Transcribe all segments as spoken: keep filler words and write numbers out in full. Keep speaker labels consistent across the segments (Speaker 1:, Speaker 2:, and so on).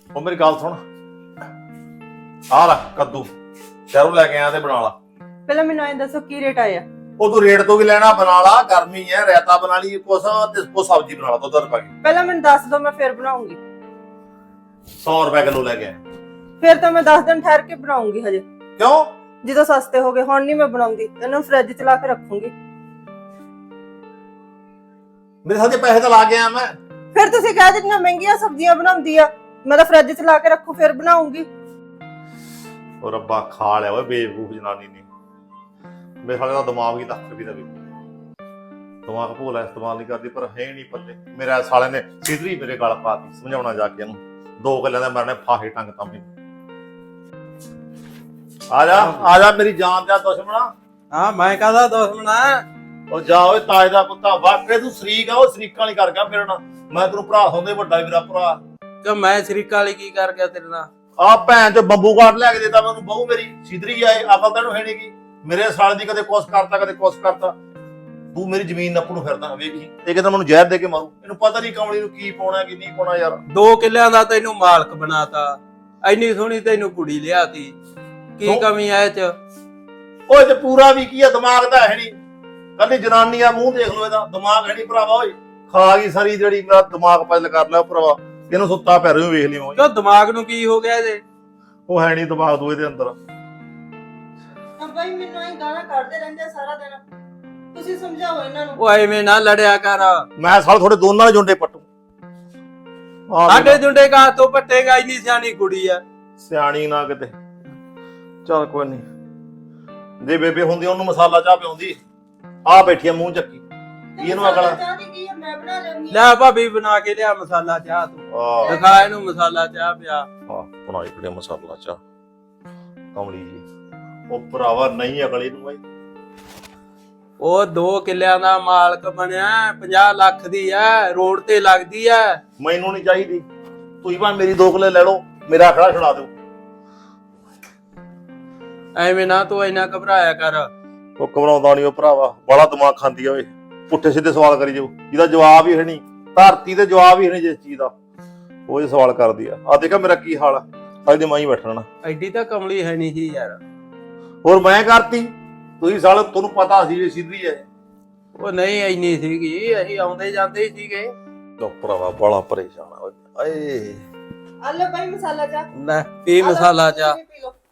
Speaker 1: ਉਹ ਮੇਰੀ ਗੱਲ ਸੁਣ ਆ ਲੈ ਕੱਦੂ ਸ਼ਹਿਰੋਂ ਲੈ ਕੇ ਆਇਆ ਤੇ ਬਣਾ ਲਾ।
Speaker 2: ਪਹਿਲਾਂ ਮੈਨੂੰ ਐਂ ਦੱਸੋ ਕੀ ਰੇਟ ਆਇਆ?
Speaker 1: ਉਹ ਤੂੰ ਰੇਟ ਤੋਂ ਵੀ ਲੈਣਾ ਬਣਾ ਲਾ, ਗਰਮੀ ਹੈ ਰਾਇਤਾ ਬਣਾ ਲਈ ਕੁਛ ਤੇ ਕੋ ਸਬਜ਼ੀ ਬਣਾ ਲਾ ਦੁੱਧ ਰੁਪਏ ਦੀ।
Speaker 2: ਪਹਿਲਾਂ ਮੈਨੂੰ ਦੱਸ ਦੋ, ਮੈਂ ਫਿਰ ਬਣਾਉਂਗੀ।
Speaker 1: ਸੌ ਰੁਪਏ ਕਿਲੋ ਲੈ ਕੇ ਆਇਆ।
Speaker 2: ਫਿਰ ਤਾਂ ਮੈਂ ਦਸ ਦਿਨ ਠਹਿਰ ਕੇ ਬਣਾਉਂਗੀ ਹਜੇ।
Speaker 1: ਕਿਉਂ?
Speaker 2: ਜਦੋਂ ਸਸਤੇ ਹੋ ਗਏ। ਹੁਣ ਨਹੀਂ ਮੈਂ ਬਣਾਉਂਦੀ, ਇਹਨੂੰ ਫ੍ਰਿਜ ਚ ਲਾ ਕੇ ਰੱਖੂੰਗੀ।
Speaker 1: ਮੇਰੇ ਸਾਥੇ ਪੈਸੇ ਤਾਂ ਲਾ ਕੇ ਆਇਆ ਮੈਂ।
Speaker 2: ਫਿਰ ਤੁਸੀਂ ਕਹਿ ਦਿੱਤੀਆਂ ਮਹਿੰਗੀਆਂ ਸਬਜ਼ੀਆਂ ਬਣਾਉਂਦੀ ਆ, ਮੈਂ ਤਾਂ ਫ੍ਰਿਜ ਚ ਲਾ ਕੇ ਰੱਖੂ ਫਿਰ ਬਣਾਉਂਗੀ।
Speaker 1: ਉਹ ਰੱਬਾ ਖਾ ਲਿਆ ਓਏ ਬੇਵਕੂਫ ਜਨਾਨੀ ਨੇ। ਮੇਰੇ ਸਾਲੇ ਦਾ ਦਿਮਾਗ ਹੀ ਲੱਖ ਰੁਪਏ ਦਾ ਵੀ ਦਿਮਾਗ ਭੋਲਾ ਇਸਤੇਮਾਲ ਨਹੀਂ ਕਰਦੀ, ਪਰ ਹੈ ਨਹੀਂ ਪੱਲੇ। ਮੇਰੇ ਸਾਲੇ ਨੇ ਸਿੱਧਰੀ ਮੇਰੇ ਗਲ ਪਾਤੀ। ਸਮਝਾਉਣਾ ਜਾ ਕੇ ਇਹਨੂੰ, ਦੋ ਗੱਲਾਂ ਦੇ ਮਰਨੇ ਫਾਹੇ ਟੰਗ ਤਾਂ ਮੈਨੂੰ। ਆ ਜਾ ਆ ਜਾ ਮੇਰੀ ਜਾਨ ਦਾ ਦੁਸ਼ਮਣਾ।
Speaker 3: ਹਾਂ ਮੈਂ ਕਾਹਦਾ ਦੁਸ਼ਮਣਾ?
Speaker 1: ਉਹ ਜਾ ਓਏ ਤਾਜ ਦਾ ਪੁੱਤਾ, ਵਾਕਈ ਤੂੰ ਸ਼ਰੀਕ ਆ। ਉਹ ਸ਼ਰੀਕਾਂ ਵਾਲੀ ਕਰ ਗਿਆ ਮੇਰੇ ਨਾਲ। ਮੈਂ ਤੈਨੂੰ ਭਰਾ ਹੁੰਦੇ ਵੱਡਾ ਮੇਰਾ ਭਰਾ।
Speaker 3: ਕਿ ਮੈਂ ਸ਼ਰੀਕਾ ਵਾਲੀ ਕੀ ਕਰ ਗਿਆ ਤੇਰੇ ਨਾਲ?
Speaker 1: ਆ ਭੈਣ ਚ ਬੰਬੂ ਕਾਟ ਲੈ ਕੇ ਦੇਤਾ ਮੈਨੂੰ। ਬਹੂ ਮੇਰੀ ਸਿੱਧਰੀ ਆਏ, ਅਕਲ ਤੈਨੂੰ ਹੈ ਨੀ ਗੀ। ਮੇਰੇ ਸਾਲ ਦੀ ਕਦੇ ਕੁਛ ਕਰਤਾ ਕਦੇ ਕੁਛ ਕਰਤਾ। ਤੂੰ ਮੇਰੀ ਜ਼ਮੀਨ ਨੱਪੂ ਨੂੰ ਫਿਰਦਾ ਵੇਖੀ। ਇਹ ਕਹਿੰਦਾ ਮੈਨੂੰ ਜ਼ਹਿਰ ਦੇ ਕੇ ਮਾਰੂ। ਇਹਨੂੰ ਪਤਾ ਨਹੀਂ ਕਮਲੀ ਨੂੰ ਕੀ ਪਾਉਣਾ ਕੀ ਨਹੀਂ ਪਾਉਣਾ ਯਾਰ।
Speaker 3: ਦੋ ਕਿੱਲਿਆਂ ਦਾ ਤੈਨੂੰ ਮਾਲਕ ਬਣਾਤਾ, ਐਨੀ ਸੋਹਣੀ ਤੈਨੂੰ ਕੁੜੀ ਲਿਆਤੀ, ਕੀ ਕਮੀ ਐ ਇਹ ਚ?
Speaker 1: ਓਏ ਤੇ ਪੂਰਾ ਵੀ ਕੀ ਆ, ਦਿਮਾਗ ਤਾਂ ਹੈ ਨਹੀਂ। ਕੱਲੀ ਜਨਾਨੀ ਆ, ਮੂੰਹ ਦੇਖ ਲੋ ਇਹਦਾ। ਦਿਮਾਗ ਹੈ ਨਹੀਂ ਭਰਾਵਾ। ਓਏ ਖਾ ਗਈ ਸਾਰੀ ਜਿਹੜੀ ਮੇਰਾ ਦਿਮਾਗ ਪਜਲ ਕਰ ਲਿਆ ਭਰਾਵਾ। ਇਹਨੂੰ ਸੁੱਤਾ ਪੈ ਰਿਹਾ ਵੇਖ ਲਿਓ।
Speaker 3: ਕਿਉਂ ਦਿਮਾਗ ਨੂੰ ਕੀ ਹੋ ਗਿਆ ਇਹਦੇ?
Speaker 1: ਉਹ ਹੈ ਨਹੀਂ ਦਿਮਾਗ ਦੂਏ ਦੇ ਅੰਦਰ।
Speaker 2: ਬਾਈ ਮੈਨੂੰ ਐਂ ਗਾਲਾਂ ਕੱਢਦੇ ਰਹਿੰਦੇ ਸਾਰਾ ਦਿਨ, ਤੁਸੀਂ ਸਮਝਾਓ ਇਹਨਾਂ ਨੂੰ।
Speaker 3: ਉਹ ਐਵੇਂ ਨਾ ਲੜਿਆ ਕਰ।
Speaker 1: ਮੈਂ ਸਾਲ ਤੁਹਾਡੇ ਦੋਨਾਂ ਦੇ ਜੁੰਡੇ ਪੱਟੂ।
Speaker 3: ਸਾਡੇ ਜੁੰਡੇ ਕਾ ਤੋਂ ਪੱਟੇਗਾ? ਇੰਨੀ ਸਿਆਣੀ ਕੁੜੀ ਆ।
Speaker 1: ਸਿਆਣੀ ਨਾ ਕਿਤੇ। ਚੱਲ ਕੋਈ ਨਹੀਂ, ਜੇ ਬੇਬੇ ਹੁੰਦੀ ਉਹਨੂੰ ਮਸਾਲਾ ਚਾਹ ਪਿਆਉਂਦੀ। ਆ ਬੈਠੀ ਆ ਮੂੰਹ ਚੱਕੀ। ਇਹਨੂੰ ਅਕਲ
Speaker 2: ਚਾਹ ਦੀ ਕੀ ਆ, ਮੈਂ ਬਣਾ ਲੈਂਦੀ।
Speaker 3: ਲੈ ਭਾਬੀ ਬਣਾ ਕੇ ਲਿਆ ਮਸਾਲਾ ਚਾਹ। ਤੂੰ
Speaker 1: ਆ
Speaker 3: ਦਿਖਾ ਇਹਨੂੰ ਮਸਾਲਾ ਚਾਹ ਪਿਆ।
Speaker 1: ਆ ਬਣਾਈ ਪੜੇ ਮਸਾਲਾ ਚਾਹ ਕਮਲੀ ਜੀ। ਉਹ ਭਰਾਵਾ ਨਹੀਂ ਅਕਲ ਇਹਨੂੰ ਬਾਈ।
Speaker 3: ਉਹ ਦੋ ਕਿੱਲਿਆਂ ਦਾ ਮਾਲਕ ਬਣਿਆ, ਪੰਜਾਹ ਲੱਖ ਦੀ ਐ, ਰੋਡ ਤੇ ਲੱਗਦੀ ਐ।
Speaker 1: ਮੈਨੂੰ ਨਹੀਂ ਚਾਹੀਦੀ। ਤੁਸੀਂ ਭਾਵੇਂ ਮੇਰੀ ਦੋ ਕਿੱਲੇ ਲੈ ਲਓ, ਮੇਰਾ ਖੜਾ ਛੁਡਾ ਦਿਓ।
Speaker 3: ਐਵੇਂ ਨਾ ਤੂੰ ਇੰਨਾ ਘਬਰਾਇਆ ਕਰ।
Speaker 1: ਉਹ ਘਬਰਾਉਂਦਾ ਨਹੀਂ ਉਹ ਭਰਾਵਾ, ਬੜਾ ਦਿਮਾਗ ਖਾਂਦੀ ਆ ਓਏ। ਪੁੱਠੇ ਸਿੱਧੇ ਸਵਾਲ ਕਰੀ ਜਾਓ, ਜਿਹਦਾ ਜਵਾਬ ਹੀ ਹੈ ਨਹੀਂ। ਧਰਤੀ ਤੇ ਜਵਾਬ ਹੀ ਹੈ ਨਹੀਂ ਜਿਸ ਚੀਜ਼ ਦਾ, ਉਹ ਸਵਾਲ ਕਰਦੀ ਆ। ਆ ਦੇਖਾ ਮੇਰਾ ਕੀ ਹਾਲ ਆ, ਅੱਜ ਮਾਂ ਹੀ ਬੈਠਣਾ।
Speaker 3: ਐਡੀ ਤਾਂ ਕਮਲੀ ਹੈ ਨਹੀਂ ਸੀ ਯਾਰ।
Speaker 1: ਹੋਰ ਮੈਂ ਕਰਤੀ? ਤੁਸੀਂ ਸਾਲ ਤੁਹਾਨੂੰ ਪਤਾ ਸੀ ਵੀ ਸਿੱਧੀ ਹੈ।
Speaker 3: ਉਹ ਨਹੀਂ ਇੰਨੀ ਸੀਗੀ, ਅਸੀਂ ਆਉਂਦੇ ਜਾਂਦੇ ਹੀ ਸੀਗੇ।
Speaker 1: ਉਹ ਭਰਾਵਾ ਬੜਾ ਪਰੇਸ਼ਾਨ ਆ ਓਏ।
Speaker 2: ਆ ਲੈ ਬਾਈ ਮਸਾਲਾ ਚਾਹ।
Speaker 3: ਲੈ ਪੀ ਮਸਾਲਾ ਚਾਹ।
Speaker 2: ਪੀ ਲਓ।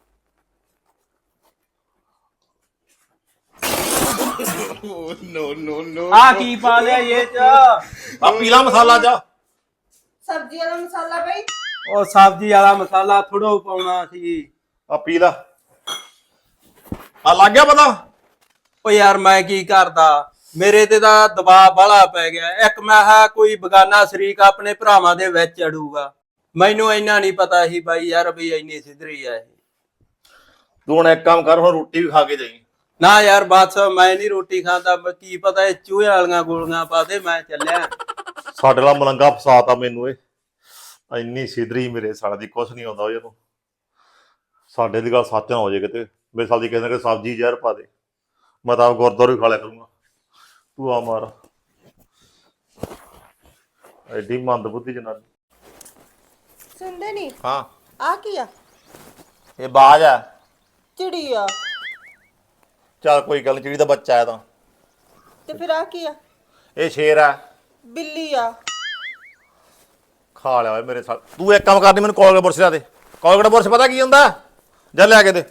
Speaker 3: ਨੋ ਨੋ ਨੋ ਆ ਕੀ ਪਾ ਲਿਆ ਇਹ ਚ?
Speaker 1: ਆ ਪੀਲਾ ਮਸਾਲਾ ਚਾਹ।
Speaker 2: ਸਬਜ਼ੀ ਵਾਲਾ ਮਸਾਲਾ ਬਾਈ।
Speaker 3: ਉਹ ਸਬਜ਼ੀ ਵਾਲਾ ਮਸਾਲਾ ਥੋੜਾ ਪਾਉਣਾ ਸੀ।
Speaker 1: ਆ ਪੀ ਲਾ। ਆ ਲੱਗ ਗਿਆ ਪਤਾ?
Speaker 3: ਉਹ ਯਾਰ ਮੈਂ ਕੀ ਕਰਦਾ, ਮੇਰੇ ਤੇ ਤਾਂ ਦਬਾਅ ਬਾਹਲਾ ਪੈ ਗਿਆ। ਇੱਕ ਮੈਂ ਹਾਂ ਕੋਈ ਬਗਾਨਾ ਸ਼ਰੀਕ ਆਪਣੇ ਭਰਾਵਾਂ ਦੇ ਵਿੱਚ ਅੜੂਗਾ। ਮੈਨੂੰ ਇੰਨਾ ਨਹੀਂ ਪਤਾ ਸੀ ਬਾਈ ਯਾਰ ਵੀ ਇੰਨੀ ਸਿੱਧਰੀ ਆ ਇਹ।
Speaker 1: ਤੂੰ ਹੁਣ ਇੱਕ ਕੰਮ ਕਰ, ਹੁਣ ਰੋਟੀ ਵੀ ਖਾ ਕੇ ਜਾਈਂ।
Speaker 3: ਨਾ ਯਾਰ ਬਸ ਮੈਂ ਨਹੀਂ ਰੋਟੀ ਖਾਂਦਾ। ਕੀ ਪਤਾ ਇਹ ਚੂਹੇ ਵਾਲੀਆਂ ਗੋਲੀਆਂ ਪਾ ਦੇ। ਮੈਂ ਚੱਲਿਆ।
Speaker 1: ਸਾਡੇ ਨਾਲ ਮਲੰਗਾ ਫਸਾਤਾ ਮੈਨੂੰ ਇਹ। ਇੰਨੀ ਸਿੱਧਰੀ ਮੇਰੇ ਸਾਲ ਦੀ ਕੁਛ ਨਹੀਂ ਆਉਂਦਾ ਇਹਨੂੰ। ਸਾਡੇ ਦੀ ਗੱਲ ਸੱਚ ਨਾ ਹੋ ਜਾਏ ਕਿਤੇ। ਮੇਰੇ ਸਾਲ ਦੀ ਕਹਿੰਦੇ ਕਿ ਸਬਜ਼ੀ ਜ਼ਹਿਰ ਪਾ ਦੇ। ਮੈਂ ਤਾਂ ਗੁਰਦੁਆਰੇ ਖਾ ਲਿਆ ਕਰੂੰਗਾ। ਤੂੰ ਆ ਮਾਰ ਐਡੀ ਮੰਦ ਬੁੱਧੀ ਜਨਾਨੀ।
Speaker 2: ਸੁਣਦੇ ਨਹੀਂ?
Speaker 1: ਹਾਂ
Speaker 2: ਆ ਕੀ ਆ?
Speaker 1: ਇਹ ਬਾਜ ਆ।
Speaker 2: ਚਿੜੀ ਆ।
Speaker 1: ਚੱਲ ਕੋਈ ਗੱਲ ਨੀ, ਚਿੜੀ ਦਾ ਬੱਚਾ ਹੈ ਤਾਂ।
Speaker 2: ਤੇ ਫਿਰ ਆ ਕੀ ਆ?
Speaker 1: ਇਹ ਸ਼ੇਰ ਆ।
Speaker 2: ਬਿੱਲੀ ਆ।
Speaker 1: ਖਾ ਲਿਆ ਓਏ ਮੇਰੇ ਸਾਲ। ਤੂੰ ਇੱਕ ਕੰਮ ਕਰਨੀ, ਮੈਨੂੰ ਕੋਲਗੇਟ ਬੁਰਸ਼ ਲਿਆ ਦੇ। ਕੋਲਗੇਟ ਬੁਰਸ਼ ਪਤਾ ਕੀ ਹੁੰਦਾ? ਜਾ ਲਿਆ ਕੇ ਦੇ।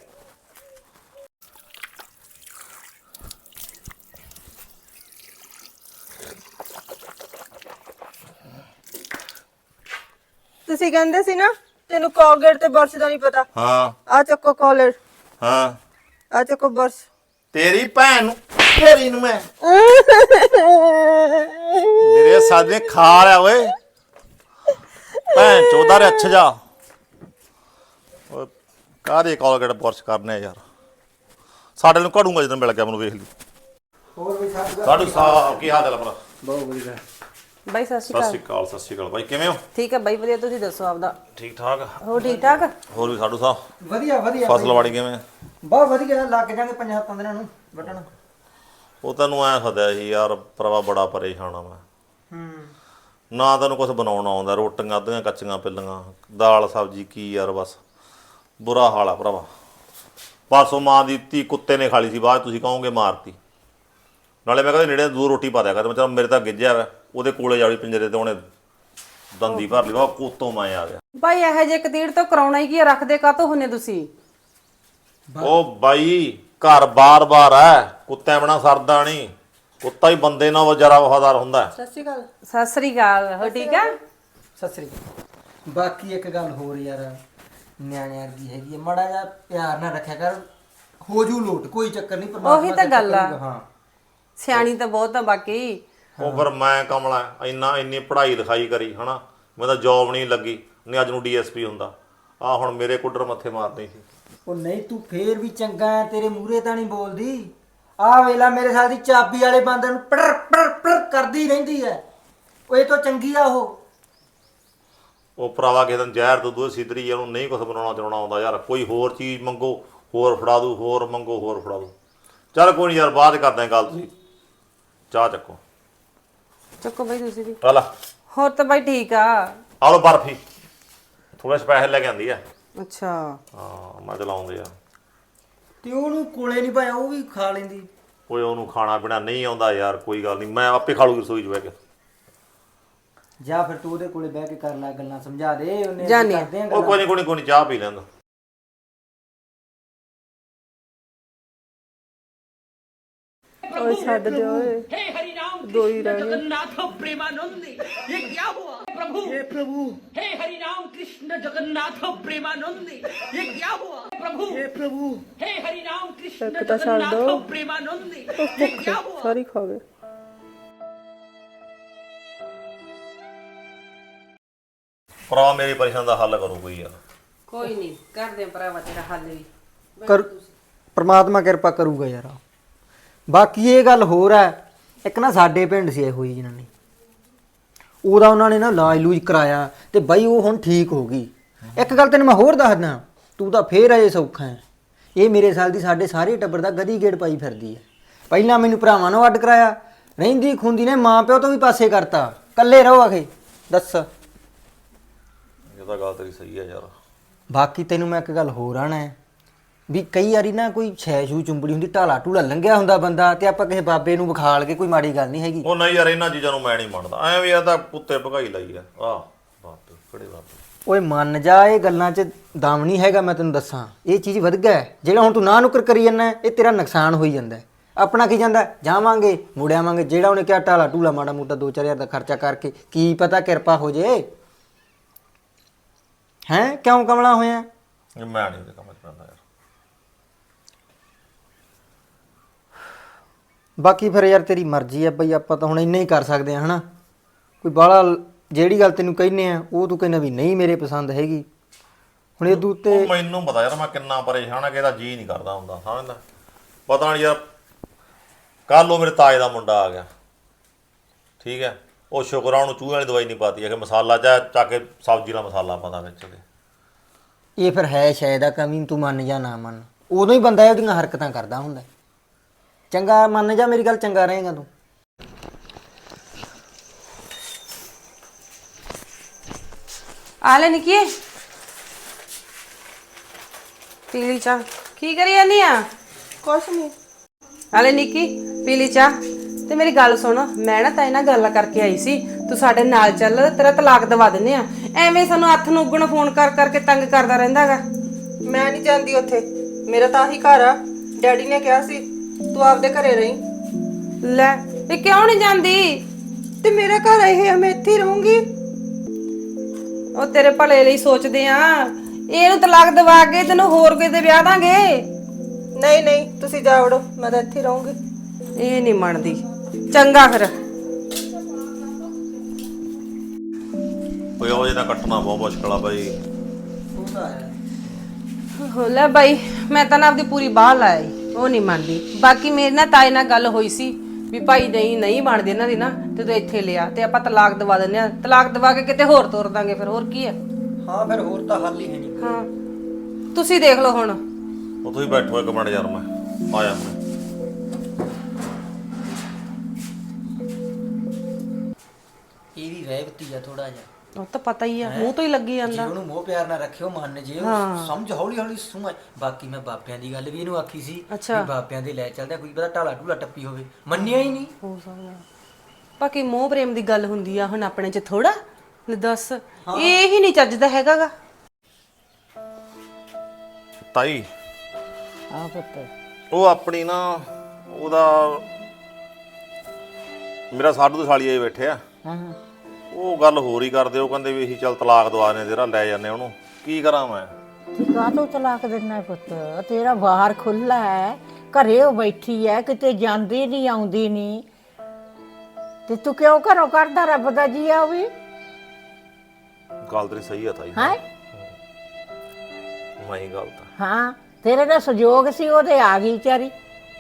Speaker 2: ਤੁਸੀਂ ਕਹਿੰਦੇ ਸੀ ਨਾ ਤੈਨੂੰ ਕੋਲਗੇਟ ਤੇ ਬਰਸ਼ ਦਾ ਨਹੀਂ ਪਤਾ।
Speaker 1: ਹਾਂ
Speaker 2: ਆ ਚੱਕੋ ਕੋਲਗੇਟ।
Speaker 1: ਹਾਂ
Speaker 2: ਆ ਚੱਕੋ ਬਰਸ਼।
Speaker 1: ਤੇਰੀ ਭੈਣ ਨੂੰ ਤੇਰੀ ਨੂੰ ਮੈਂ ਮੇਰੇ ਸਾਦੇ ਖਾ ਲਿਆ ਓਏ। ਭੈਣ ਚੋਦਾ ਰੇ ਅੱਛਾ ਜਾ। ਓਏ ਕਾਹਦੇ ਕੋਲਗੇਟ ਬੁਰਸ਼ ਕਰਨੇ ਯਾਰ। ਸਾਡੇ ਨੂੰ ਘੜੂਗਾ ਜਦੋਂ ਮਿਲ ਗਿਆ ਮੈਨੂੰ। ਵੇਖ ਲਈ।
Speaker 4: ਹੋਰ ਵੀ ਸਾਡਾ
Speaker 1: ਸਾਡੂ ਸਾਹਿਬ ਕੀ ਹਾਲ ਚਾਲ ਭਰਾ?
Speaker 4: ਬਹੁਤ ਵਧੀਆ।
Speaker 5: ਬਾਈ ਸਤਿ ਸ਼੍ਰੀ
Speaker 1: ਸਤਿ ਸ਼੍ਰੀ
Speaker 5: ਅਕਾਲ।
Speaker 1: ਅਕਾਲ। ਸਤਿ ਸ਼੍ਰੀ ਅਕਾਲ ਬਾਈ, ਕਿਵੇਂ ਹੋ?
Speaker 5: ਠੀਕ ਹੈ ਬਾਈ ਵਧੀਆ, ਤੁਸੀਂ ਦੱਸੋ ਆਪਦਾ।
Speaker 1: ਠੀਕ ਠਾਕ।
Speaker 5: ਹੋ ਠੀਕ ਠਾਕ?
Speaker 1: ਹੋਰ ਵੀ ਸਾਡੂ ਸਾਹਿਬ
Speaker 4: ਵਧੀਆ ਵਧੀਆ
Speaker 1: ਫਸਲਵਾੜੀ ਕਿਵੇਂ?
Speaker 4: ਬਹੁਤ ਵਧੀਆ। ਲੱਗ ਜਾਣਗੇ ਪੰਜਾਂ ਸੱਤਾਂ ਦਿਨਾਂ ਨੂੰ ਵੱਢਣ।
Speaker 1: ਉਹ ਤੈਨੂੰ ਐ ਸੱਦਿਆ ਸੀ ਯਾਰ ਭਰਾਵਾ, ਬੜਾ ਪਰੇਸ਼ਾਨ ਆ ਮੈਂ।
Speaker 4: ਹੂੰ
Speaker 1: ਨਾ ਤੈਨੂੰ ਕੁਝ ਬਣਾਉਣਾ ਆਉਂਦਾ, ਰੋਟੀਆਂ ਅੱਧੀਆਂ ਕੱਚੀਆਂ ਪਿੱਲੀਆਂ, ਦਾਲ ਸਬਜ਼ੀ ਕੀ ਯਾਰ ਬਸ ਬੁਰਾ ਹਾਲ ਆ ਭਰਾਵਾ। ਪਰਸੋਂ ਮਾਂ ਦੀ ਧੀ ਕੁੱਤੇ ਨੇ ਖਾ ਲਈ ਸੀ, ਬਾਅਦ 'ਚ ਤੁਸੀਂ ਕਹੋਗੇ ਮਾਰਤੀ। ਨਾਲੇ ਮੈਂ ਕਹਿੰਦਾ ਨੇੜੇ ਦੂਰ ਰੋਟੀ ਪਾ ਦਿਆ ਕਰ, ਮੈਂ ਚਲ ਮੇਰੇ ਤਾਂ ਗਿੱਜਿਆ ਵਾ, ਉਹਦੇ ਕੋਲੇ ਜਾੜੀ ਪਿੰਜਰੇ ਤੇ ਉਹਨੇ ਦੰਦੀ ਭਰ ਲਈ, ਉਹ ਕੋਤੋਂ ਮੈਂ ਆ ਗਿਆ।
Speaker 5: ਬਾਈ ਇਹੋ ਜਿਹੇ ਕਤੀੜ ਤੋਂ ਕਰਾਉਣਾ ਹੀ ਕੀ ਆ, ਰੱਖਦੇ ਕਾਤੋਂ ਹੁੰਨੇ ਤੁਸੀਂ?
Speaker 1: ਉਹ ਬਾਈ ਘਰ ਬਾਰ-ਬਾਰ ਹੈ, ਕੁੱਤਿਆਂ ਬਿਨਾ ਸਰਦਾ ਨਹੀਂ, ਕੁੱਤਾ ਹੀ ਬੰਦੇ ਨਾਲ ਜ਼ਿਆਦਾ ਵਫਾਦਾਰ ਹੁੰਦਾ ਹੈ।
Speaker 2: ਸਤਿ ਸ਼੍ਰੀ ਅਕਾਲ।
Speaker 5: ਸਤਿ ਸ੍ਰੀ ਅਕਾਲ, ਹੋ ਠੀਕ ਆ?
Speaker 4: ਸਤਿ ਸ੍ਰੀ ਅਕਾਲ। ਬਾਕੀ ਇੱਕ ਗੱਲ ਹੋਰ ਯਾਰ, ਨਿਆਣਿਆਂ ਦੀ ਹੈਗੀ ਹੈ, ਮਾੜਾ ਜਿਹਾ ਪਿਆਰ ਨਾਲ ਰੱਖਿਆ ਕਰ, ਹੋ ਜੂ ਲੋਟ, ਕੋਈ ਚੱਕਰ ਨਹੀਂ।
Speaker 5: ਉਹੀ ਤਾਂ ਗੱਲ ਆ।
Speaker 4: ਹਾਂ
Speaker 5: ਸਿਆਣੀ ਤਾਂ ਬਹੁਤ ਆ ਬਾਕੀ।
Speaker 1: ਉਹ ਫਿਰ ਮੈਂ ਕਮਲਾ ਇੰਨਾ ਇੰਨੀ ਪੜ੍ਹਾਈ ਲਿਖਾਈ ਕਰੀ ਹਨਾ, ਮੈਂ ਤਾਂ ਜੌਬ ਨਹੀਂ ਲੱਗੀ, ਨਹੀਂ ਅੱਜ ਨੂੰ ਡੀ ਐਸ ਪੀ ਹੁੰਦਾ। ਆ ਹੁਣ ਮੇਰੇ ਕੁੱਡਰ ਮੱਥੇ ਮਾਰਦੇ ਸੀ।
Speaker 4: ਉਹ ਨਹੀਂ ਤੂੰ ਫੇਰ ਵੀ ਚੰਗਾ ਹੈ, ਤੇਰੇ ਮੂਹਰੇ ਤਾਂ ਨਹੀਂ ਬੋਲਦੀ। ਆਹ ਵੇਲਾ ਮੇਰੇ ਸਾਲ ਦੀ ਚਾਬੀ ਵਾਲੇ ਬੰਦੇ ਨੂੰ ਪੜ ਪੜ ਪੜ ਕਰਦੀ ਰਹਿੰਦੀ ਹੈ, ਉਹ ਇਹ ਤੋਂ ਚੰਗੀ ਆ ਉਹ।
Speaker 1: ਉਹ ਭਰਾਵਾ ਕਿਸੇ ਦਿਨ ਜ਼ਹਿਰ ਤੋਂ ਦੂਏ ਸਿੱਧਰੀ, ਉਹਨੂੰ ਨਹੀਂ ਕੁਛ ਬਣਾਉਣਾ ਚਲਾਉਣਾ ਆਉਂਦਾ ਯਾਰ। ਕੋਈ ਹੋਰ ਚੀਜ਼ ਮੰਗੋ ਹੋਰ ਫੜਾ ਦੂ, ਹੋਰ ਮੰਗੋ ਹੋਰ ਫੜਾ ਦੂ। ਚੱਲ ਕੋਈ ਨਹੀਂ ਯਾਰ, ਬਾਅਦ ਕਰਦੇ ਗੱਲ। ਤੁਸੀਂ ਚਾਹ ਚੱਕੋ।
Speaker 5: ਚੱਕੋ ਬਾਈ ਤੁਸੀਂ ਵੀ।
Speaker 1: ਚੱਲ
Speaker 5: ਹੋਰ ਤਾਂ ਬਾਈ ਠੀਕ ਆ।
Speaker 1: ਆ ਲਓ ਬਰਫੀ, ਥੋੜਾ ਸਪੈਸ਼ਲ ਲੈ ਕੇ ਆਂਦੀ ਆ।
Speaker 5: ਅੱਛਾ
Speaker 1: ਹਾਂ ਮੈਂ ਚਲਾਉਂਦੇ ਆ।
Speaker 4: ਤੇ ਉਹਨੂੰ ਕੋਲੇ ਨਹੀਂ ਪਾਇਆ, ਉਹ ਵੀ ਖਾ ਲੈਂਦੀ।
Speaker 1: ਕੋਈ ਉਹਨੂੰ ਖਾਣਾ ਪੀਣਾ ਨਹੀਂ ਆਉਂਦਾ ਯਾਰ, ਕੋਈ ਗੱਲ ਨਹੀਂ, ਮੈਂ ਆਪੇ ਖਾ ਲੂਗੀ ਰਸੋਈ 'ਚ ਬਹਿ ਕੇ।
Speaker 4: ਜਾਂ ਫਿਰ ਤੂੰ ਉਹਦੇ ਕੋਲੇ ਬਹਿ ਕੇ ਕਰ ਲੈ ਗੱਲਾਂ, ਸਮਝਾ ਦੇ ਉਹਨੇ।
Speaker 5: ਜਾਨੀ ਆ।
Speaker 4: ਕਰਦੇ ਆ
Speaker 1: ਉਹ
Speaker 4: ਗੱਲਾਂ।
Speaker 1: ਕੋਈ ਨਹੀਂ ਕੋਈ ਨਹੀਂ ਕੋਈ ਨਹੀਂ, ਚਾਹ ਪੀ ਲੈਂਦਾ।
Speaker 5: ਓਏ ਛੱਡ ਦੇ ਓਏ।
Speaker 6: हे हरि राम
Speaker 5: दो ही
Speaker 6: कृष्ण
Speaker 5: रह गए।
Speaker 6: जगन्नाथ प्रेमानंदी, ये क्या हुआ प्रभु? हे प्रभु हे हरि राम कृष्ण जगन्नाथ प्रेमानंदी, ये क्या हुआ प्रभु? हे प्रभु हे हरि राम कृष्ण
Speaker 5: एक तो छोड़ दो।
Speaker 6: जगन्नाथ प्रेमानंदी, ये क्या हुआ?
Speaker 5: ਸਾਰੀ ਖਾ ਗਏ।
Speaker 1: ਭਰਾ ਮੇਰੀ ਪਰੇਸ਼ਾਨੀ ਦਾ ਹੱਲ ਕਰੋ ਕੋਈ ਯਾਰ।
Speaker 5: ਕੋਈ ਨਹੀਂ ਕਰਦੇ ਆ ਭਰਾਵਾ ਤੇਰਾ ਹੱਲ ਵੀ।
Speaker 4: ਕਰ ਪ੍ਰਮਾਤਮਾ ਕਿਰਪਾ ਕਰੂਗਾ ਯਾਰ। ਬਾਕੀ ਇਹ ਗੱਲ ਹੋਰ ਹੈ, ਇੱਕ ਨਾ ਸਾਡੇ ਪਿੰਡ ਸੀ ਇਹੋ ਜਿਹੀ ਜਨਾਨੀ, ਉਹਦਾ ਉਹਨਾਂ ਨੇ ਨਾ ਇਲਾਜ ਲੂਜ ਕਰਾਇਆ ਤੇ ਬਾਈ ਉਹ ਹੁਣ ਠੀਕ ਹੋ ਗਈ। ਇੱਕ ਗੱਲ ਤੈਨੂੰ ਮੈਂ ਹੋਰ ਦੱਸਦਾ, ਤੂੰ ਤਾਂ ਫੇਰ ਅਜੇ ਸੌਖਾ ਹੈ। ਇਹ ਮੇਰੇ ਸਾਲ ਦੀ ਸਾਡੇ ਸਾਰੇ ਟੱਬਰ ਦਾ ਗਦੀ ਗੇੜ ਪਾਈ ਫਿਰਦੀ ਹੈ। ਪਹਿਲਾਂ ਮੈਨੂੰ ਭਰਾਵਾਂ ਨੂੰ ਅੱਡ ਕਰਾਇਆ, ਰਹਿੰਦੀ ਖੁੰਦੀ ਨੇ ਮਾਂ ਪਿਓ ਤੋਂ ਵੀ ਪਾਸੇ ਕਰਤਾ, ਇਕੱਲੇ ਰਹੋ ਆਖੇ। ਦੱਸ।
Speaker 1: ਇਹ ਤਾਂ ਗੱਲ ਤੇਰੀ ਸਹੀ ਹੈ ਯਾਰ।
Speaker 4: ਬਾਕੀ ਤੈਨੂੰ ਮੈਂ ਇੱਕ ਗੱਲ ਹੋਰ ਆਣਾ ਹੈ ਵੀ ਕਈ ਵਾਰੀ ਨਾ ਕੋਈ ਛੈ ਛੂ ਚੁੰਬੜੀ ਹੁੰਦੀ, ਢਾਲਾ ਢੂਲਾ ਲੰਘਿਆ ਹੁੰਦਾ ਬੰਦਾ, ਤੇ ਆਪਾਂ ਕਿਸੇ ਬਾਬੇ ਨੂੰ ਵਿਖਾਲ ਕੇ, ਕੋਈ ਮਾੜੀ ਗੱਲ ਨਹੀਂ ਹੈਗੀ।
Speaker 1: ਉਹ ਨਹੀਂ ਯਾਰ, ਇਹਨਾਂ ਚੀਜ਼ਾਂ ਨੂੰ ਮੈਂ ਨਹੀਂ ਮੰਨਦਾ। ਐਂ ਵੀ ਇਹ ਤਾਂ ਕੁੱਤੇ ਭਗਾਈ ਲਈ ਆ। ਆਹ ਬਾਪੇ ਕਿਹੜੇ ਬਾਪੇ।
Speaker 4: ਓਏ ਮੰਨ ਜਾ, ਇਹ ਗੱਲਾਂ 'ਚ ਦਮ ਨਹੀਂ ਹੈਗਾ। ਮੈਂ ਤੈਨੂੰ ਦੱਸਾਂ, ਇਹ ਚੀਜ਼ ਵਧ ਗਿਆ ਹੈ। ਜਿਹੜਾ ਹੁਣ ਤੂੰ ਨਾ ਨੁਕਰ ਕਰੀ ਜਾਂਦਾ, ਇਹ ਤੇਰਾ ਨੁਕਸਾਨ ਹੋਈ ਜਾਂਦਾ। ਆਪਣਾ ਕੀ ਜਾਂਦਾ, ਜਾਵਾਂਗੇ ਮੁੜ ਆਵਾਂਗੇ। ਜਿਹੜਾ ਉਹਨੇ ਕਿਹਾ ਢਾਲਾ ਢੂਲਾ ਮਾੜਾ ਮੋਟਾ ਦੋ ਚਾਰ ਹਜ਼ਾਰ ਦਾ ਖਰਚਾ ਕਰਕੇ, ਕੀ ਪਤਾ ਕਿਰਪਾ ਹੋ ਜੇ। ਹੈਂ ਕਿਉਂ ਕਮਲਾ ਹੋਇਆ?
Speaker 1: ਮੈਂ ਨਹੀਂ ਉਹਦੇ ਕੰਮ 'ਚ ਪੈਂਦਾ ਯਾਰ।
Speaker 4: ਬਾਕੀ ਫਿਰ ਯਾਰ ਤੇਰੀ ਮਰਜ਼ੀ ਹੈ ਬਈ, ਆਪਾਂ ਤਾਂ ਹੁਣ ਇੰਨਾ ਹੀ ਕਰ ਸਕਦੇ ਹਾਂ ਹਨਾ। ਕੋਈ ਬਾਹਲਾ ਜਿਹੜੀ ਗੱਲ ਤੈਨੂੰ ਕਹਿੰਦੇ ਆ ਉਹ ਤੂੰ ਕਹਿੰਦਾ ਵੀ ਨਹੀਂ ਮੇਰੇ ਪਸੰਦ ਹੈਗੀ। ਹੁਣ ਇਹ ਦੂ ਤੇ
Speaker 1: ਉਹ ਮੈਨੂੰ ਪਤਾ ਯਾਰ ਮੈਂ ਕਿੰਨਾ ਪਰੇਸ਼ਾਨ ਆ, ਕਿ ਇਹਦਾ ਜੀ ਨਹੀਂ ਕਰਦਾ ਹੁੰਦਾ ਸਮਝਦਾ। ਪਤਾ ਨਹੀਂ ਯਾਰ, ਕੱਲ ਉਹ ਮੇਰੇ ਤਾਏ ਦਾ ਮੁੰਡਾ ਆ ਗਿਆ, ਠੀਕ ਹੈ। ਉਹ ਸ਼ੁਕਰ ਆ ਉਹਨੂੰ ਚੂਹੇ ਵਾਲੀ ਦਵਾਈ ਨਹੀਂ ਪਾਤੀ ਹੈ, ਕਿ ਮਸਾਲਾ ਚਾ ਚੱਕ ਕੇ ਸਬਜ਼ੀ ਦਾ ਮਸਾਲਾ ਪਾਉਂਦਾ ਵਿੱਚ ਉਹਦੇ।
Speaker 4: ਇਹ ਫਿਰ ਹੈ ਸ਼ਾਇਦ ਆ ਕਮੀ, ਤੂੰ ਮੰਨ ਜਾਂ ਨਾ ਮੰਨ, ਉਦੋਂ ਹੀ ਬੰਦਾ ਉਹਦੀਆਂ ਹਰਕਤਾਂ ਕਰਦਾ ਹੁੰਦਾ। ਚੰਗਾ ਮੰਨ ਜਾ ਮੇਰੀ ਗੱਲ, ਚੰਗਾ ਰਹੇਗਾ ਤੂੰ।
Speaker 5: ਆ ਲੈ ਨਿੱਕੀ, ਪੀ ਲਈ ਚਾਹ। ਕੀ ਕਰੀ ਜਾਂਦੀ ਆ?
Speaker 2: ਕੁਛ ਨਹੀਂ।
Speaker 5: ਆ ਲੈ ਨਿੱਕੀ, ਪੀ ਲਈ ਚਾਹ। ਤੇ ਮੇਰੀ ਗੱਲ ਸੁਣ, ਮੈਂ ਨਾ ਤਾਈ ਨਾਲ ਗੱਲ ਕਰਕੇ ਆਈ ਸੀ, ਤੂੰ ਸਾਡੇ ਨਾਲ ਚੱਲ, ਤੇਰਾ ਤਲਾਕ ਦਵਾ ਦਿੰਨੇ ਆ। ਐਵੇਂ ਸਾਨੂੰ ਹੱਥ ਨੂੰ ਉੱਗਣ ਫੋਨ ਕਰ ਕਰਕੇ ਤੰਗ ਕਰਦਾ ਰਹਿੰਦਾਗਾ।
Speaker 2: ਮੈਂ ਨਹੀਂ ਜਾਂਦੀ ਉੱਥੇ, ਮੇਰਾ ਤਾਂ ਆਹੀ ਘਰ ਆ। ਡੈਡੀ ਨੇ ਕਿਹਾ ਸੀ ਤੂੰ ਆਪਦੇ ਘਰੇ ਰਹੀਂ।
Speaker 5: ਲੈ ਇਹ ਕਿਉਂ ਨਹੀਂ ਜਾਂਦੀ?
Speaker 2: ਤੇ ਮੇਰਾ ਘਰ ਇਹ ਆ, ਮੈਂ ਇੱਥੇ ਹੀ ਰਹੂੰਗੀ।
Speaker 5: ਉਹ ਤੇਰੇ ਭਲੇ ਲਈ ਸੋਚਦੇ ਆ। ਇਹਨੂੰ ਤਲਾਕ ਦਵਾ ਕੇ ਤੈਨੂੰ ਹੋਰ ਕਿਤੇ ਵਿਆਹ ਦਾਂਗੇ।
Speaker 2: ਨਹੀਂ ਨਹੀਂ, ਤੁਸੀਂ ਜਾ ਵੜੋ, ਮੈਂ ਤਾਂ ਇੱਥੇ ਹੀ ਰਹੂੰਗੀ।
Speaker 5: ਇਹ ਨਹੀਂ ਮੰਨਦੀ। ਚੰਗਾ ਫਿਰ।
Speaker 1: ਕੋਈ ਉਹ ਜਿਹਦਾ ਕੱਟਣਾ ਬਹੁਤ ਮੁਸ਼ਕਲ ਆ ਬਾਈ।
Speaker 5: ਹੋ ਲੈ ਬਾਈ, ਮੈਂ ਤਾਂ ਨਾ ਆਪਦੀ ਪੂਰੀ ਬਾਹ ਲਾਈ, ਉਹ ਨਹੀਂ ਮੰਨਦੀ। ਬਾਕੀ ਮੇਰੇ ਨਾਲ ਤਾਏ ਨਾਲ ਗੱਲ ਹੋਈ ਸੀ ਵੀ ਭਾਈ ਨਹੀਂ ਨਹੀਂ ਬਣਦੀ ਇਹਨਾਂ ਦੀ ਨਾ, ਤੇ ਤੂੰ ਇੱਥੇ ਲਿਆ ਤੇ ਆਪਾਂ ਤਲਾਕ ਦਵਾ ਦਿੰਦੇ ਆ। ਤਲਾਕ ਦਵਾ ਕੇ ਕਿਤੇ ਹੋਰ ਤੋਰ ਦਾਂਗੇ, ਫਿਰ ਹੋਰ ਕੀ ਹੈ।
Speaker 4: ਹਾਂ ਫਿਰ ਹੋਰ ਤਾਂ ਹੱਲ ਹੀ ਹੈ ਨਹੀਂ।
Speaker 5: ਹਾਂ ਤੁਸੀਂ ਦੇਖ ਲਓ ਹੁਣ।
Speaker 1: ਉਹ ਤੁਸੀਂ ਬੈਠੋ ਇੱਕ ਮਿੰਟ ਯਾਰ, ਮੈਂ ਆਇਆ ਮੈਂ।
Speaker 4: ਇਹ ਵੀ ਰਹਿ ਰਹਿਬਤੀ ਆ ਥੋੜਾ ਜਿਹਾ।
Speaker 5: ਉਹ ਤਾਂ ਪਤਾ ਹੀ ਆ, ਮੂੰਹ ਤੋਂ ਹੀ ਲੱਗੀ
Speaker 4: ਜੇ
Speaker 5: ਜਾਂਦਾ।
Speaker 4: ਉਹਨੂੰ ਮੋਹ ਪਿਆਰ ਨਾਲ ਰੱਖਿਓ ਮਨ ਜੇ ਉਹ ਸਮਝ ਹੌਲੀ ਹੌਲੀ ਸਮਝ। ਬਾਕੀ ਮੈਂ ਬਾਪਿਆਂ ਦੀ ਗੱਲ ਵੀ ਇਹਨੂੰ ਆਖੀ ਸੀ
Speaker 5: ਅੱਛਾ।
Speaker 4: ਵੀ ਬਾਪਿਆਂ ਦੇ ਲੈ ਚੱਲਦਾ, ਕੋਈ ਪਤਾ ਢਾਲਾ ਢੂਲਾ ਟੱਪੀ ਹੋਵੇ, ਮੰਨਿਆ ਹੀ ਨਹੀਂ।
Speaker 5: ਹੋ ਸਕਦਾ ਬਾਕੀ ਮੋਹ ਪ੍ਰੇਮ ਦੀ ਗੱਲ ਹੁੰਦੀ ਆ, ਹੁਣ ਆਪਣੇ ਚ ਥੋੜਾ। ਲੈ ਦੱਸ, ਇਹ ਹੀ ਨਹੀਂ ਚੱਜਦਾ ਹੈਗਾਗਾ।
Speaker 1: ਤਾਈ
Speaker 7: ਆ ਪੁੱਤ
Speaker 1: ਉਹ ਆਪਣੀ ਨਾ ਉਹਦਾ ਮੇਰਾ ਸਾਡੂ ਦੇ ਸਾਲੀ ਆਏ ਬੈਠੇ ਆ,
Speaker 7: ਹਾਂ
Speaker 1: ਉਹ ਗੱਲ ਹੋਰ ਹੀ ਕਰਦੇ। ਉਹ ਕਹਿੰਦੇ ਵੀ ਅਸੀਂ ਚੱਲ ਤਲਾਕ ਦਵਾ ਨੇ ਤੇਰਾ, ਲੈ ਜਾਂਦੇ ਉਹਨੂੰ। ਕੀ ਕਰਾਂ ਮੈਂ?
Speaker 7: ਤੂੰ ਕਾਹਤੋਂ ਤਲਾਕ ਦੇਣਾ ਪੁੱਤ? ਤੇਰਾ ਬਾਹਰ ਖੁੱਲਾ ਹੈ, ਘਰੇ ਉਹ ਬੈਠੀ ਹੈ, ਕਿਤੇ ਜਾਂਦੀ ਨਹੀਂ ਆਉਂਦੀ ਨਹੀਂ, ਤੇ ਤੂੰ ਕਿਉਂ ਘਰੋਂ ਕਰਦਾ? ਰੱਬ ਦਾ ਜੀ ਆ ਉਹ ਵੀ
Speaker 1: ਗੱਲ ਤੇਰੀ ਸਹੀ ਆ ਤਾਈ।
Speaker 7: ਹੈ।
Speaker 1: ਮੈਂ ਹੀ ਗਲਤ ਆ।
Speaker 7: ਹਾਂ ਤੇਰੇ ਦਾ ਸਹਿਯੋਗ ਸੀ, ਉਹਦੇ ਆ ਗਈ ਵਿਚਾਰੀ।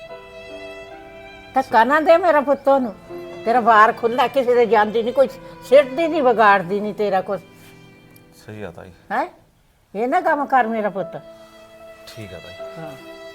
Speaker 7: ਧੱਕਾ ਨਾ ਦੇ ਮੇਰਾ ਪੁੱਤ ਨੂੰ। ਤੇਰਾ ਬਾਹਰ ਖੁੱਲਾ, ਕਿਸੇ ਦੇ ਜਾਂਦੀ ਨਹੀਂ, ਕੋਈ ਸਿੱਟਦੀ ਨਹੀਂ, ਵਿਗਾੜਦੀ ਨਹੀਂ ਤੇਰਾ ਕੁਛ।
Speaker 1: ਸਹੀ ਆ ਤਾਈ।
Speaker 7: ਹੈ ਇਹ ਨਾ ਕੰਮ ਕਰ ਮੇਰਾ ਪੁੱਤ।
Speaker 1: ਠੀਕ ਆ ਤਾਈ।
Speaker 7: ਹਾਂ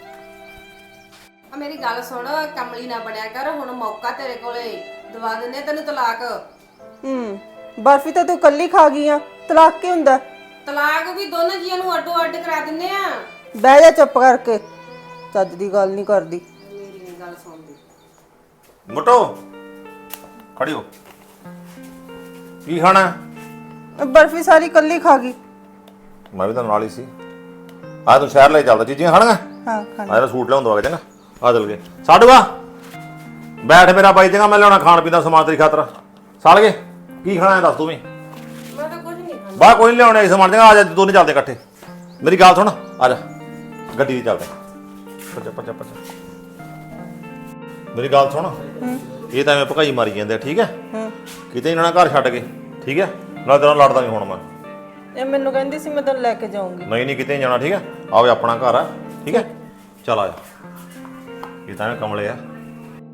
Speaker 5: ਆ ਮੇਰੀ ਗੱਲ ਸੁਣ, ਕਮਲੀ ਨਾ ਬਣਿਆ ਕਰ। ਹੁਣ ਮੌਕਾ ਤੇਰੇ ਕੋਲੇ, ਦਵਾ ਦਿੰਨੇ ਤੈਨੂੰ ਤਲਾਕ।
Speaker 2: ਹੂੰ ਬਰਫੀ ਤਾਂ ਤੂੰ ਕੱਲੀ ਖਾ ਗਈ ਆ, ਤਲਾਕ ਕੀ ਹੁੰਦਾ?
Speaker 5: ਤਲਾਕ ਵੀ ਦੋਨਾਂ ਜੀਆਂ ਨੂੰ ਅੱਡੋ ਅੱਡ ਕਰਾ ਦਿੰਨੇ ਆ।
Speaker 2: ਬਹਿ ਜਾ ਚੁੱਪ ਕਰਕੇ, ਚੱਜ ਦੀ ਗੱਲ ਨਹੀਂ ਕਰਦੀ।
Speaker 5: ਮੇਰੀ ਨਹੀਂ ਗੱਲ ਸੁਣਦੀ।
Speaker 1: ਮੋਟੋ ਖੜੀ ਹੋ। ਕੀ ਖਾਣਾ?
Speaker 2: ਬਰਫੀ ਸਾਰੀ ਕੱਲੀ ਖਾ ਗਈ।
Speaker 1: ਮੈਂ ਵੀ ਤਾਂ ਨਾਲ ਹੀ ਸੀ। ਆ ਤੂੰ ਸ਼ਹਿਰ ਲੈ ਚੱਲਦਾ, ਚੀਜ਼ੀਆਂ ਖਾਣੀਆਂ?
Speaker 2: ਹਾਂ ਖਾਣੀ।
Speaker 1: ਆ ਸੂਟ ਲਿਆਉਂਦਾ ਆ ਚੰਗਾ। ਆ ਚੱਲ ਗਏ ਸਾਡੂਆ, ਬੈਠ ਮੇਰਾ ਬਾਈ ਚੰਗਾ। ਮੈਂ ਲਿਆਉਣਾ ਖਾਣ ਪੀਣ ਦਾ ਸਮਾਨ ਤੇਰੀ ਖਾਤਰ। ਸਾਲ ਗਏ ਕੀ ਖਾਣਾ ਹੈ ਦੱਸ ਤੂੰ ਵੀ।
Speaker 5: ਮੈਂ ਤਾਂ ਕੁਝ ਨਹੀਂ ਖਾਂਦਾ।
Speaker 1: ਬਾਹਰ ਕੋਈ ਨਹੀਂ ਲਿਆਉਣਾ ਸਮਾਨ ਚੰਗਾ। ਆ ਜਾ ਦੋਨੇ ਚੱਲਦੇ ਇਕੱਠੇ। ਮੇਰੀ ਗੱਲ ਸੁਣ, ਆ ਜਾ ਗੱਡੀ 'ਚ ਚੱਲਦੇ। ਪੱਜਾ ਪੱਜਾ ਪੱਜਾ ਮੇਰੀ ਗੱਲ ਸੁਣ, ਇਹ ਤਾਂ ਐਵੇਂ ਭਕਾਈ ਮਾਰੀ ਜਾਂਦੇ ਆ, ਠੀਕ ਹੈ? ਕਿਤੇ ਇਹਨਾਂ ਨਾਲ ਘਰ ਛੱਡ ਕੇ, ਠੀਕ ਹੈ? ਨਾਲ ਤੇਰਾ ਲੜਦਾ ਨਹੀਂ ਹੁਣ ਮੈਂ।
Speaker 2: ਇਹ ਮੈਨੂੰ ਕਹਿੰਦੀ ਸੀ ਮੈਂ ਤੈਨੂੰ ਲੈ ਕੇ ਜਾਊਂਗੀ।
Speaker 1: ਨਹੀਂ ਨਹੀਂ ਕਿਤੇ ਨਹੀਂ ਜਾਣਾ, ਠੀਕ ਹੈ? ਆਵੇ ਆਪਣਾ ਘਰ ਆ, ਠੀਕ ਹੈ? ਚੱਲ ਆ ਜਾ। ਇਹ ਤਾਂ ਐਵੇਂ ਕਮਲੇ ਆ।